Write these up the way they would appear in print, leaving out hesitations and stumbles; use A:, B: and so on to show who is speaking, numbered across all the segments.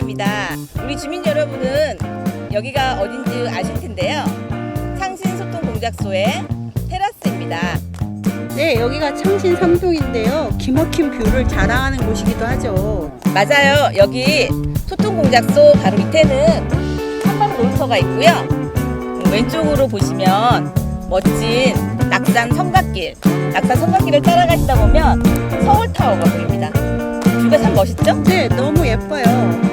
A: 반갑습니다. 우리 주민 여러분은 여기가 어딘지 아실 텐데요. 창신소통공작소의 테라스입니다.
B: 네, 여기가 창신 3동인데요. 기막힌 뷰를 자랑하는 곳이기도 하죠.
A: 맞아요. 여기 소통공작소 바로 밑에는 한방 놀터가 있고요. 왼쪽으로 보시면 멋진 낙산 성곽길을 따라가시다 보면 서울타워가 보입니다. 뷰가 참 멋있죠?
B: 네, 너무 예뻐요.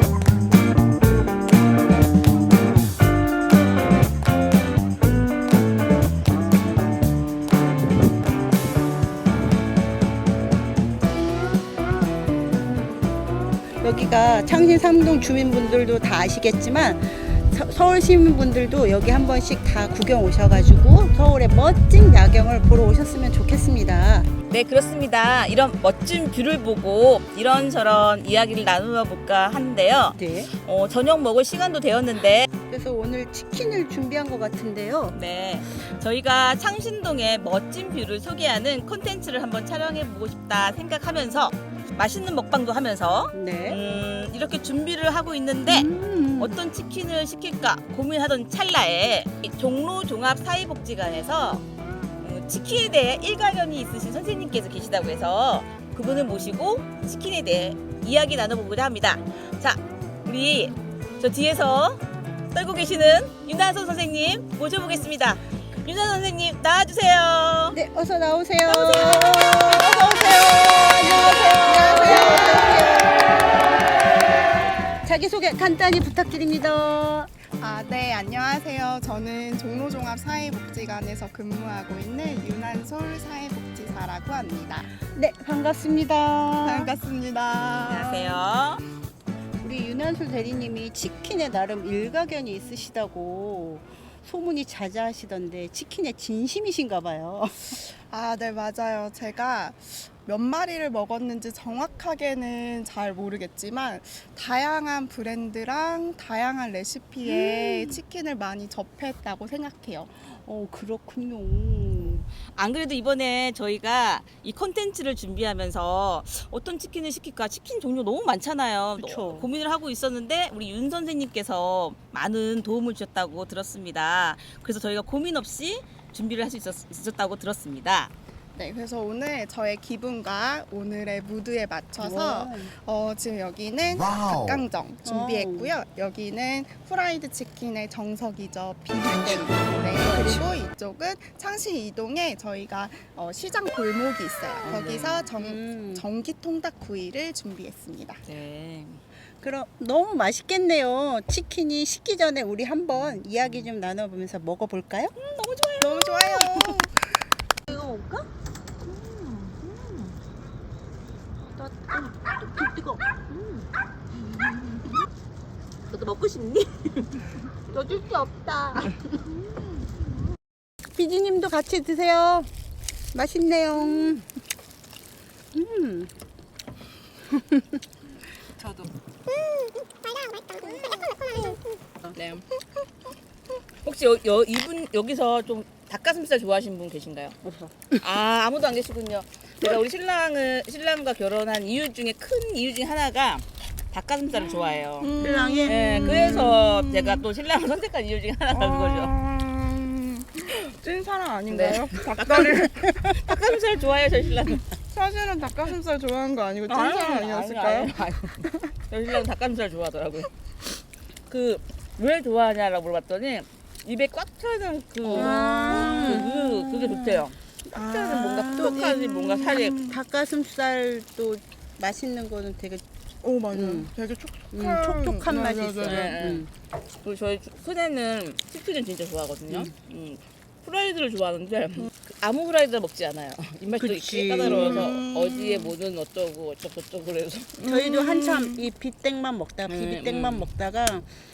B: 여기가 창신 3동 주민분들도 다 아시겠지만 서울 시민분들도 여기 한 번씩 다 구경 오셔가지고 서울의 멋진 야경을 보러 오셨으면 좋겠습니다.
A: 네, 그렇습니다. 이런 멋진 뷰를 보고 이런저런 이야기를 나누어 볼까 하는데요.
B: 네.
A: 저녁 먹을 시간도 되었는데
B: 그래서 오늘 치킨을 준비한 것 같은데요.
A: 네, 저희가 창신동의 멋진 뷰를 소개하는 콘텐츠를 한번 촬영해 보고 싶다 생각하면서 맛있는 먹방도 하면서
B: 네.
A: 이렇게 준비를 하고 있는데 어떤 치킨을 시킬까 고민하던 찰나에 종로 종합 사회복지관에서 치킨에 대해 일가견이 있으신 선생님께서 계시다고 해서 그분을 모시고 치킨에 대해 이야기 나눠보고자 합니다. 자, 우리 저 뒤에서 떨고 계시는 윤하선 선생님 모셔보겠습니다. 윤하선 선생님 나와주세요.
B: 네, 어서 나오세요.
A: 어서 오세요.
B: 안녕하세요. 자기소개 간단히 부탁드립니다.
C: 네, 안녕하세요. 저는 종로종합사회복지관에서 근무하고 있는 윤한솔 사회복지사라고 합니다.
B: 네, 반갑습니다.
C: 반갑습니다.
A: 안녕하세요.
B: 우리 윤한솔 대리님이 치킨에 나름 일가견이 있으시다고 소문이 자자하시던데 치킨에 진심이신가 봐요.
C: 네, 맞아요. 제가 몇 마리를 먹었는지 정확하게는 잘 모르겠지만 다양한 브랜드랑 다양한 레시피의 치킨을 많이 접했다고 생각해요.
B: 그렇군요.
A: 안 그래도 이번에 저희가 이 콘텐츠를 준비하면서 어떤 치킨을 시킬까 치킨 종류 너무 많잖아요.
B: 그쵸.
A: 너무 고민을 하고 있었는데 우리 윤 선생님께서 많은 도움을 주셨다고 들었습니다. 그래서 저희가 고민 없이 준비를 할 수 있었다고 들었습니다.
C: 네, 그래서 오늘 저의 기분과 오늘의 무드에 맞춰서 지금 여기는 닭강정 준비했고요. 여기는 프라이드 치킨의 정석이죠. 비빔냉. 네, 그리고 이쪽은 창신 이동에 저희가 시장 골목이 있어요. 거기서 전기 통닭구이를 준비했습니다.
A: 네.
B: 그럼 너무 맛있겠네요. 치킨이 식기 전에 우리 한번 이야기 좀 나눠보면서 먹어볼까요?
A: 너무 좋아요.
C: 너무 좋아요.
B: 이거 먹을까? 뜨거.
A: 너도 먹고 싶니?
B: 어쩔 수 없다. 비지님도 같이 드세요. 맛있네요.
A: 저도. 네. 혹시 이분 여기서 좀 닭가슴살 좋아하시는 분 계신가요?
B: 없어.
A: 아무도 안 계시군요. 제가 우리 신랑과 결혼한 이유 중에 큰 이유 중에 하나가 닭가슴살을 좋아해요.
B: 신랑이?
A: 네, 그래서 제가 또 신랑을 선택한 이유 중에 하나가 그거죠.
C: 찐사랑 아닌가요?
A: 네. 닭가슴살 좋아해요, 저희 신랑은.
C: 사실은 닭가슴살 좋아하는 거 아니고 찐사랑 아니었을까요?
A: 저희 신랑은 닭가슴살 좋아하더라고요. 왜 좋아하냐라고 물어봤더니 입에 꽉 차는 그게 좋대요. 꽉 차는 뭔가 톡톡하지 뭔가 살이.
B: 닭가슴살도 맛있는 거는 되게
C: 맞아요. 되게 촉촉한,
B: 촉촉한 맛이
C: 맞아요,
B: 있어요.
A: 네. 그리고 저희 큰애는 치킨을 진짜 좋아하거든요. 프라이드를 좋아하는데 아무 프라이드를 먹지 않아요. 입맛도
B: 그치.
A: 있게 까다로워서 어디에 뭐는 어쩌고 저쩌고 그래서
B: 저희도 한참 이 비땡만 먹다가 비비땡만 먹다가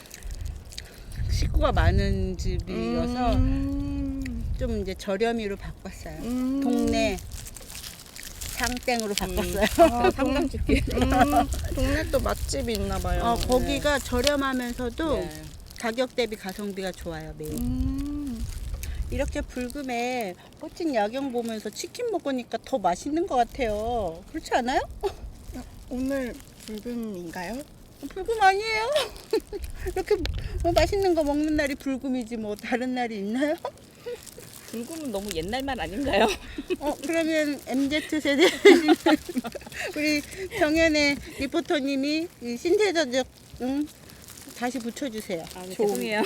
B: 식구가 많은 집이어서 좀 이제 저렴이로 바꿨어요. 동네 상땡으로 바꿨어요.
A: 삼강치킨.
C: 동네 또 맛집이 있나 봐요.
B: 거기가 저렴하면서도
A: 네.
B: 가격 대비 가성비가 좋아요. 매일. 이렇게 불금에 멋진 야경 보면서 치킨 먹으니까 더 맛있는 것 같아요. 그렇지 않아요?
C: 오늘 불금인가요?
B: 불금 아니에요? 이렇게 뭐 맛있는 거 먹는 날이 불금이지 뭐 다른 날이 있나요?
A: 불금은 너무 옛날 말 아닌가요?
B: 그러면 MZ세대 우리 정연의 리포터님이 이 신세대적 다시 붙여주세요.
A: 네,
B: 좋은.
A: 죄송해요.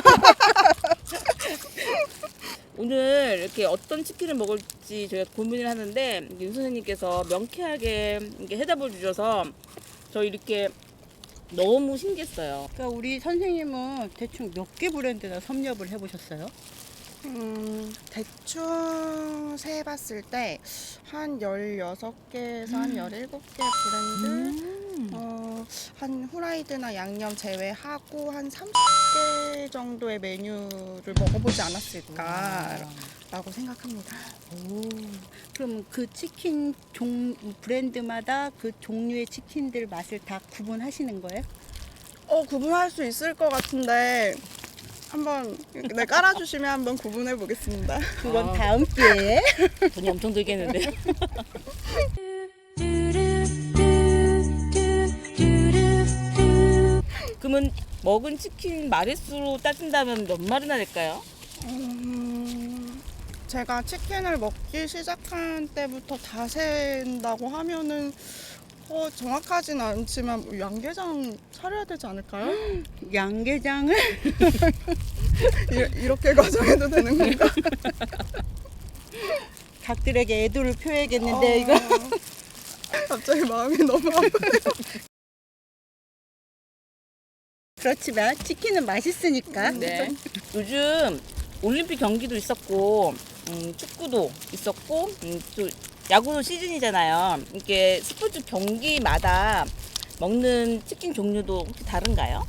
A: 오늘 이렇게 어떤 치킨을 먹을지 저희가 고민을 하는데 윤 선생님께서 명쾌하게 이렇게 해답을 주셔서 저 이렇게 너무 신기했어요.
B: 그러니까 우리 선생님은 대충 몇 개 브랜드나 섭렵을 해보셨어요?
C: 대충 세봤을 때 한 16개에서 한 17개 브랜드 한 후라이드나 양념 제외하고 한 30개 정도의 메뉴를 먹어보지 않았을까라고 생각합니다.
B: 그럼 그 치킨 브랜드마다 그 종류의 치킨들 맛을 다 구분하시는 거예요?
C: 구분할 수 있을 것 같은데 한번 깔아주시면 한번 구분해 보겠습니다.
B: 그건 다음 기회에.
A: 돈이 엄청 들겠는데. 그러면 먹은 치킨 마리수로 따진다면 몇 마리나 될까요?
C: 제가 치킨을 먹기 시작한 때부터 다 센다고 하면은 정확하진 않지만 뭐 양계장 차려야 되지 않을까요?
B: 양계장을
C: 이렇게 가정해도 되는 건가?
B: 닭들에게 애도를 표해야겠는데 이거.
C: 갑자기 마음이 너무 아파요.
B: 그렇지만 치킨은 맛있으니까.
A: 네. 요즘 올림픽 경기도 있었고 축구도 있었고 또 야구 시즌이잖아요. 이렇게 스포츠 경기마다 먹는 치킨 종류도 혹시 다른가요?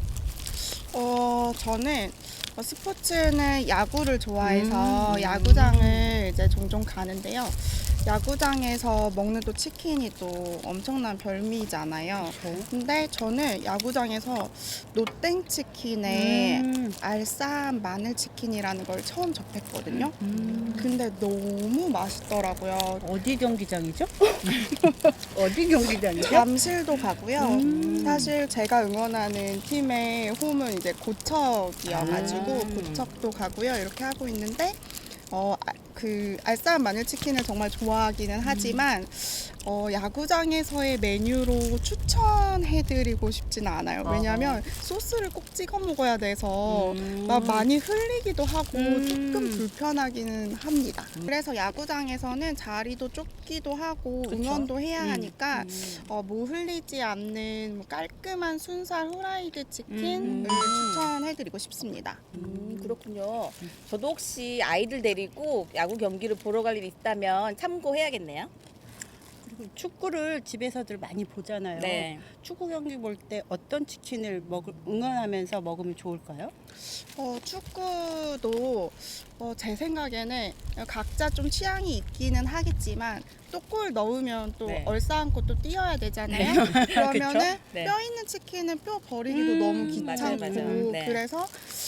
C: 저는 스포츠는 야구를 좋아해서 야구장을 이제 종종 가는데요. 야구장에서 먹는 또 치킨이 또 엄청난 별미잖아요. 근데 저는 야구장에서 노땡 치킨에 알싸한 마늘 치킨이라는 걸 처음 접했거든요. 근데 너무 맛있더라고요.
B: 어디 경기장이죠? 어디 경기장이죠?
C: 잠실도 가고요. 사실 제가 응원하는 팀의 홈은 이제 고척이어가지고 고척도 가고요. 이렇게 하고 있는데 그 알싸한 마늘치킨을 정말 좋아하기는 하지만 야구장에서의 메뉴로 추천해드리고 싶지는 않아요. 왜냐하면 소스를 꼭 찍어 먹어야 돼서 막 많이 흘리기도 하고 조금 불편하기는 합니다. 그래서 야구장에서는 자리도 좁기도 하고
B: 그쵸?
C: 응원도 해야 하니까 뭐 흘리지 않는 뭐 깔끔한 순살 후라이드 치킨을 추천해드리고 싶습니다.
A: 그렇군요. 저도 혹시 아이들 데리고 야구 경기를 보러 갈 일이 있다면 참고해야겠네요.
B: 그리고 축구를 집에서들 많이 보잖아요.
A: 네.
B: 축구 경기 볼 때 어떤 치킨을 응원하면서 먹으면 좋을까요?
C: 축구도 제 생각에는 각자 좀 취향이 있기는 하겠지만 또 골 넣으면 또
A: 네.
C: 얼싸안고 또 뛰어야 되잖아요. 그러면은
A: 네.
C: 뼈 있는 치킨은 뼈 버리기도 너무 귀찮고
A: 맞아요. 네.
C: 그래서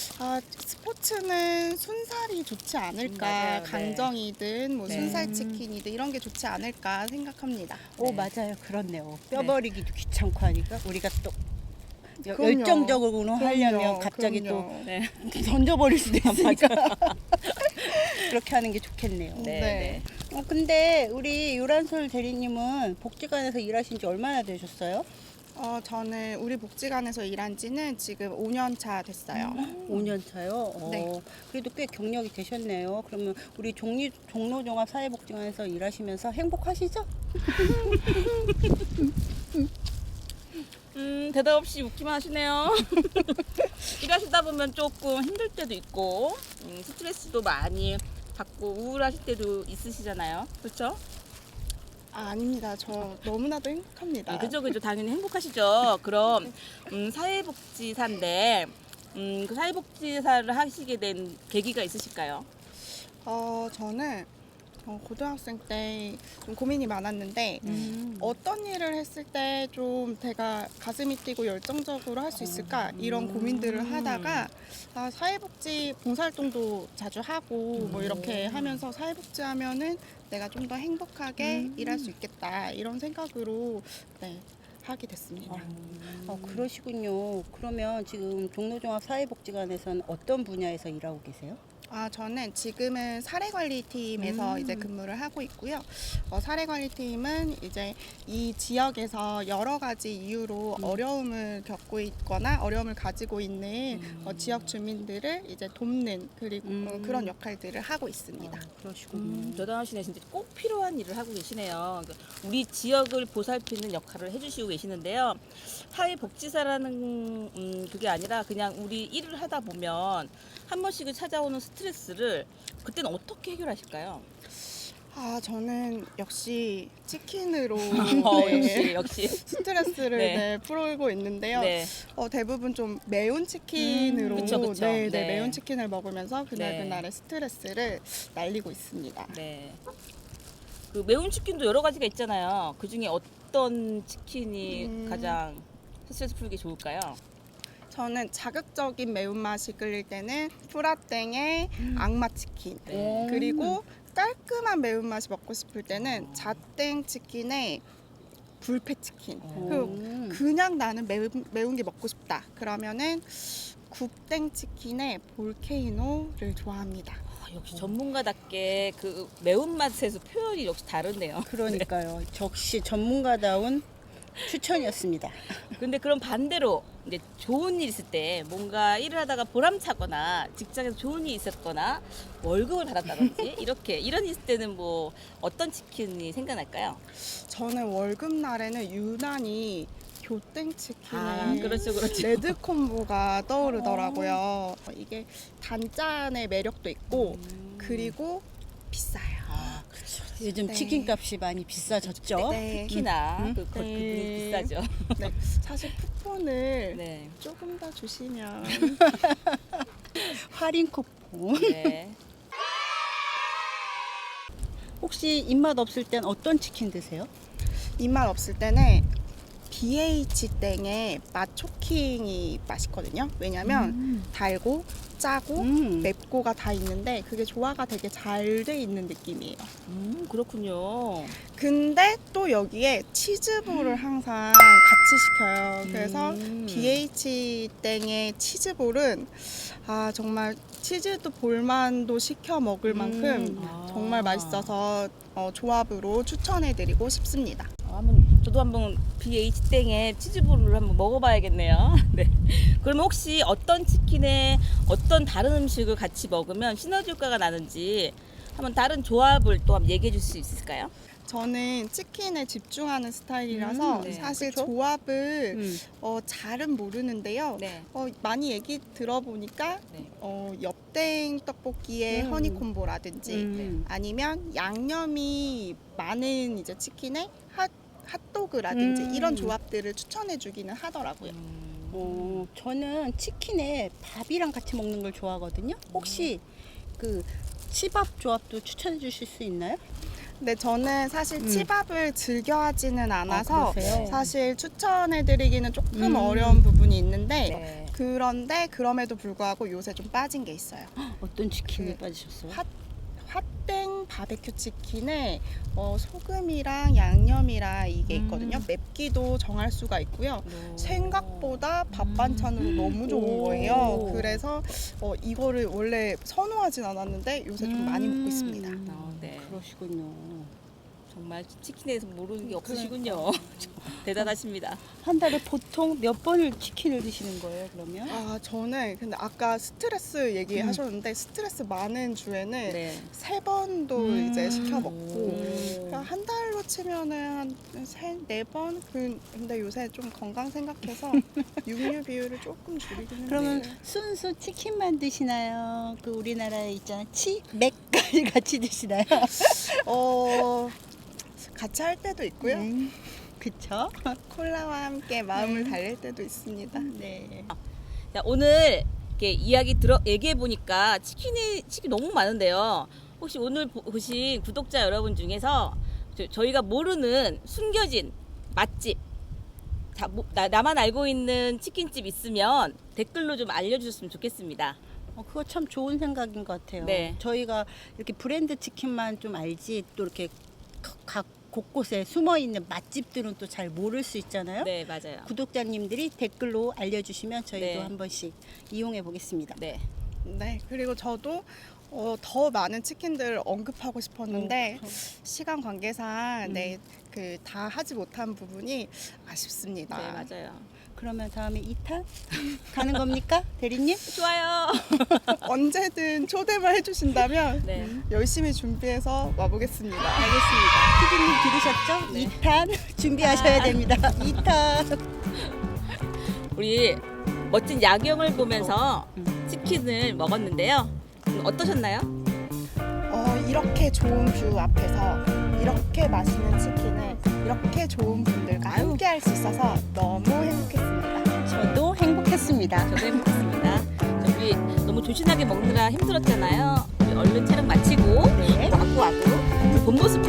C: 스포츠는 순살이 좋지 않을까.
A: 맞아요. 네.
C: 강정이든 뭐
A: 네.
C: 순살 치킨이든 이런 게 좋지 않을까 생각합니다.
B: 오,
A: 네.
B: 맞아요. 그렇네요. 뼈
A: 네.
B: 버리기도 귀찮고 하니까 우리가 또
C: 그럼요.
B: 열정적으로 하려면
C: 그럼요.
B: 갑자기
C: 그럼요.
A: 네.
B: 또 던져버릴 수도 있으니까 그렇게 하는 게 좋겠네요.
A: 네.
C: 네.
A: 네.
B: 근데 우리 유란솔 대리님은 복지관에서 일하신 지 얼마나 되셨어요?
C: 저는 우리 복지관에서 일한 지는 지금 5년 차 됐어요.
B: 5년 차요?
C: 네.
B: 그래도 꽤 경력이 되셨네요. 그러면 우리 종로종합사회복지관에서 일하시면서 행복하시죠?
A: 대답 없이 웃기만 하시네요. 일하시다 보면 조금 힘들 때도 있고 스트레스도 많이 받고 우울하실 때도 있으시잖아요. 그렇죠?
C: 아닙니다. 저 너무나도 행복합니다.
A: 그죠. 당연히 행복하시죠. 그럼 사회복지사인데 그 사회복지사를 하시게 된 계기가 있으실까요?
C: 저는 고등학생 때 좀 고민이 많았는데 어떤 일을 했을 때 좀 제가 가슴이 뛰고 열정적으로 할 수 있을까 이런 고민들을 하다가 사회복지 봉사활동도 자주 하고 뭐 이렇게 하면서 사회복지 하면은 내가 좀 더 행복하게 일할 수 있겠다 이런 생각으로 네, 하게 됐습니다.
B: 그러시군요. 그러면 지금 종로종합사회복지관에서는 어떤 분야에서 일하고 계세요?
C: 저는 지금은 사례관리팀에서 이제 근무를 하고 있고요. 사례관리팀은 이제 이 지역에서 여러 가지 이유로 어려움을 겪고 있거나 어려움을 가지고 있는 지역 주민들을 이제 돕는 그리고 그런 역할들을 하고 있습니다.
B: 그러시군요.
A: 대단하시네. 진짜 꼭 필요한 일을 하고 계시네요. 그러니까 우리 지역을 보살피는 역할을 해주시고 계시는데요. 사회복지사라는 그게 아니라 그냥 우리 일을 하다 보면 한 번씩은 찾아오는 스트레스를 그때는 어떻게 해결하실까요?
C: 저는 역시 치킨으로
A: 역시.
C: 스트레스를
A: 네.
C: 풀고 있는데요.
A: 네.
C: 대부분 좀 매운 치킨으로
A: 그쵸.
C: 네,
A: 네.
C: 매운 치킨을 먹으면서
A: 네.
C: 그날의 스트레스를 날리고 있습니다.
A: 네. 그 매운 치킨도 여러 가지가 있잖아요. 그 중에 어떤 치킨이 가장 스트레스 풀기 좋을까요?
C: 저는 자극적인 매운맛이 끌릴 때는 프라땡의 악마 치킨,
A: 네.
C: 그리고 깔끔한 매운맛이 먹고 싶을 때는 자땡 치킨의 불패 치킨. 그리고 그냥 나는 매운 게 먹고 싶다. 그러면은 국땡 치킨의 볼케이노를 좋아합니다.
A: 역시 전문가답게 그 매운맛에서 표현이 역시 다르네요.
B: 그러니까요. 역시 전문가다운 추천이었습니다.
A: 근데 그럼 반대로 이제 좋은 일 있을 때 뭔가 일을 하다가 보람차거나 직장에서 좋은 일이 있었거나 월급을 받았다든지 이런 일 있을 때는 뭐 어떤 치킨이 생각날까요?
C: 저는 월급 날에는 유난히 교땡 치킨의
A: 그렇죠.
C: 레드 콤보가 떠오르더라고요. 이게 단짠의 매력도 있고 그리고 비싸요.
B: 요즘
C: 네.
B: 치킨값이 많이 비싸졌죠?
C: 네.
A: 특히나 그
C: 네.
A: 부분이 비싸죠.
C: 네. 사실 쿠폰을
A: 네.
C: 조금 더 주시면
B: 할인 쿠폰.
A: 네.
B: 혹시 입맛 없을 땐 어떤 치킨 드세요?
C: 입맛 없을 때는 BH 땡의 맛초킹이 맛있거든요. 왜냐면 달고 짜고 맵고가 다 있는데 그게 조화가 되게 잘 돼 있는 느낌이에요.
A: 그렇군요.
C: 근데 또 여기에 치즈볼을 항상 같이 시켜요. 그래서 BH 땡의 치즈볼은 정말 치즈도 볼만도 시켜 먹을 만큼 정말 맛있어서 조합으로 추천해드리고 싶습니다.
A: 저도 한번 BH 땡의 치즈볼을 한번 먹어봐야겠네요. 네. 그러면 혹시 어떤 치킨에 어떤 다른 음식을 같이 먹으면 시너지 효과가 나는지 한번 다른 조합을 또 한번 얘기해 줄 수 있을까요?
C: 저는 치킨에 집중하는 스타일이라서
A: 네.
C: 사실
B: 그쵸?
C: 조합을 잘은 모르는데요.
A: 네.
C: 많이 얘기 들어보니까
A: 네.
C: 엽땡 떡볶이의 허니콤보라든지 아니면 양념이 많은 이제 치킨에 핫도그라든지 이런 조합들을 추천해 주기는 하더라고요.
B: 저는 치킨에 밥이랑 같이 먹는 걸 좋아하거든요. 혹시 그 치밥 조합도 추천해 주실 수 있나요?
C: 근데 저는 사실 치밥을 즐겨 하지는 않아서
B: 그러세요?
C: 사실 추천해 드리기는 조금 어려운 부분이 있는데
A: 네.
C: 그런데 그럼에도 불구하고 요새 좀 빠진 게 있어요.
B: 어떤 치킨에 빠지셨어요?
C: 핫땡 바베큐 치킨에 소금이랑 양념이랑 이게 있거든요. 맵기도 정할 수가 있고요. 생각보다 밥 반찬으로 너무 좋은 거예요. 그래서 이거를 원래 선호하진 않았는데 요새 좀 많이 먹고 있습니다.
A: 네.
B: 그러시군요.
A: 정말 치킨에 대해서 모르는 게 없으시군요. 대단하십니다.
B: 한 달에 보통 몇 번을 치킨을 드시는 거예요, 그러면?
C: 저는 근데 아까 스트레스 얘기하셨는데 스트레스 많은 주에는
A: 네.
C: 3번도 이제 시켜 먹고 그러니까 한 달로 치면은 한 4번? 근데 요새 좀 건강 생각해서 육류 비율을 조금 줄이긴
B: 그러면
C: 했는데
B: 순수 치킨만 드시나요? 그 우리나라에 있잖아 치맥까지 같이 드시나요?
C: 같이 할 때도 있고요.
B: 그쵸?
C: 콜라와 함께 마음을 달랠 때도 있습니다.
B: 네.
A: 자, 오늘 이렇게 얘기해 보니까 치킨이 너무 많은데요. 혹시 오늘 보신 구독자 여러분 중에서 저희가 모르는 숨겨진 맛집, 나만 알고 있는 치킨집 있으면 댓글로 좀 알려주셨으면 좋겠습니다.
B: 그거 참 좋은 생각인 것 같아요.
A: 네.
B: 저희가 이렇게 브랜드 치킨만 좀 알지 또 이렇게 각 곳곳에 숨어 있는 맛집들은 또 잘 모를 수 있잖아요.
A: 네, 맞아요.
B: 구독자님들이 댓글로 알려주시면 저희도
A: 네.
B: 한 번씩 이용해 보겠습니다.
A: 네.
C: 네, 그리고 저도 더 많은 치킨들을 언급하고 싶었는데 시간 관계상 네, 그 다 하지 못한 부분이 아쉽습니다.
A: 네, 맞아요.
B: 그러면 다음에 2탄 가는 겁니까, 대리님?
A: 좋아요.
C: 언제든 초대만 해주신다면
A: 네.
C: 열심히 준비해서 와보겠습니다.
B: 알겠습니다. 피디님 들으셨죠? 2탄 준비하셔야 됩니다. 2탄.
A: 우리 멋진 야경을 보면서 치킨을 먹었는데요. 어떠셨나요?
C: 이렇게 좋은 뷰 앞에서 이렇게 맛있는 치킨을 이렇게 좋은 분들과 함께 할 수 있어서 너무 행복했습니다.
B: 저도 행복했습니다.
A: 저도 행복했습니다. 우리 너무 조신하게 먹느라 힘들었잖아요. 우리 얼른 촬영 마치고
B: 네.
A: 와구 본 모습